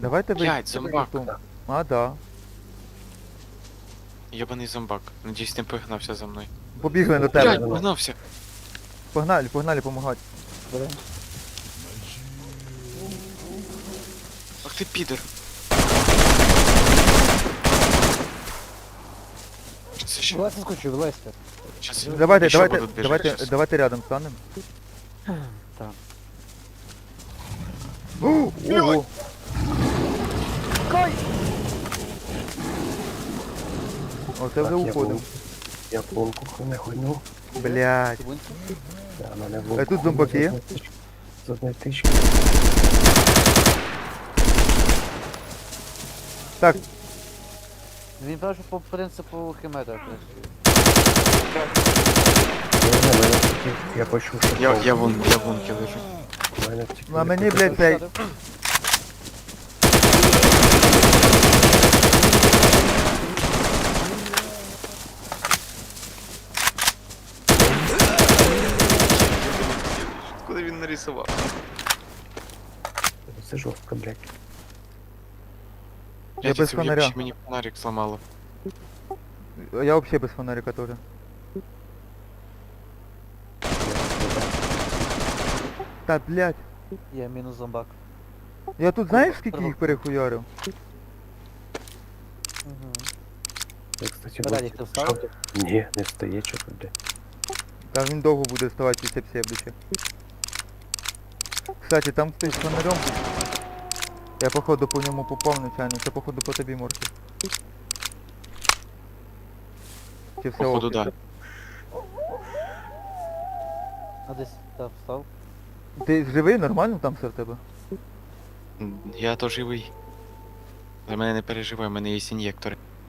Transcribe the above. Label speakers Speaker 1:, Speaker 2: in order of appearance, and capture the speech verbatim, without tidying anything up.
Speaker 1: Давайте ви...
Speaker 2: Блядь, зомбак.
Speaker 1: А, да.
Speaker 2: Єбаний зомбак. Надіюсь, не погнався за мною.
Speaker 1: Побігли до
Speaker 2: Блядь,
Speaker 1: тебе.
Speaker 2: погнався.
Speaker 1: Погнали, погнали, помагати.
Speaker 2: Ах ти підер. Це ще.
Speaker 3: Вилазь скочу, вилазьте.
Speaker 2: Щас
Speaker 1: Давайте,
Speaker 2: ще
Speaker 1: давайте,
Speaker 2: будуть біжати
Speaker 1: давайте,
Speaker 2: щас.
Speaker 1: давайте рядом станемо.
Speaker 3: Так.
Speaker 1: О, Ого! Оце вже уходимо.
Speaker 4: Я пломку не хуйну.
Speaker 1: Блядь.
Speaker 4: Да, мене
Speaker 1: А тут зомбаки є?
Speaker 4: З одної тички.
Speaker 1: Так,
Speaker 3: Він каже, по принципу химета працює.
Speaker 4: Ні, ні, мене тільки, я почув, що
Speaker 2: Я,
Speaker 4: пломка.
Speaker 2: я вон, я в лунки лежу.
Speaker 4: Мене тільки
Speaker 1: ну а
Speaker 4: не
Speaker 1: мені,
Speaker 4: почув.
Speaker 1: блядь, цей...
Speaker 2: Куди він нарисував?
Speaker 4: Це жорстко, блядь.
Speaker 1: Я без
Speaker 2: цю
Speaker 1: фонаря.
Speaker 2: єбучу мені фонарик зламало.
Speaker 1: Я вообще без фонарика тоже. Та, блядь.
Speaker 3: Є мінус зомбак.
Speaker 1: Я тут знаєш скільки їх перехуярив?
Speaker 3: Угу.
Speaker 4: Я, кстати,
Speaker 3: Радік,
Speaker 4: вот-
Speaker 3: ти встав?
Speaker 4: що ти? Ні, не встає, чого, блядь.
Speaker 1: Та він довго буде вставати після псевдича. Кстати, там хтось з фонарем. Я походу по ньому попав нечайно, це походу по тобі, Морки. Чи все
Speaker 2: Походу,
Speaker 1: ок?
Speaker 2: да.
Speaker 3: А десь так встав.
Speaker 1: Ти живий, нормально там все в тебе?
Speaker 2: Я то живий. За мене не переживай, в мене є ін'єктори.